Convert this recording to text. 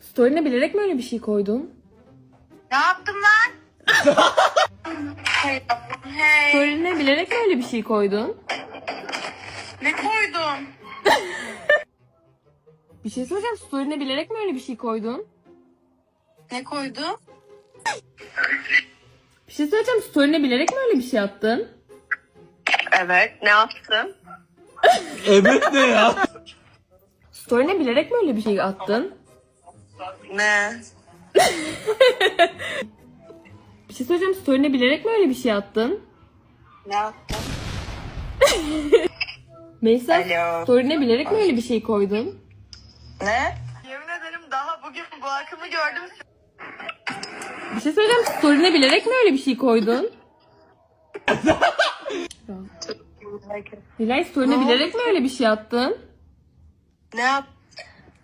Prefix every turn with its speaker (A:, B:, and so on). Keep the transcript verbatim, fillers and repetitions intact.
A: Story'ne bilerek mi öyle bir şey koydun?
B: Ne yaptım lan? Hey yavrum, hey.
A: Story'ne bilerek mi öyle bir şey koydun?
B: Ne koydum?
A: Bir şey söyleyeceğim. Story'ne bilerek mi öyle bir şey koydun?
B: Ne koydum?
A: Bir şey söyleyeceğim. Story'ne bilerek mi öyle bir şey attın?
B: Evet, ne yaptım?
C: Evet ne ya?
A: Story'ne bilerek mi öyle bir şey attın?
B: Ne?
A: Bir şey söyleyeceğim. Story'ne bilerek mi öyle bir şey attın?
B: Ne yaptım?
A: Melisa,
B: Alo.
A: story'ne bilerek mi öyle bir şey koydun?
B: Ne? Yemin ederim daha bugün bu akımı gördüm.
A: Bir şey söyleyeceğim. Story'ne bilerek mi öyle bir şey koydun? Nilay, story'ne bilerek mi öyle bir şey attın?
B: Ne yaptım?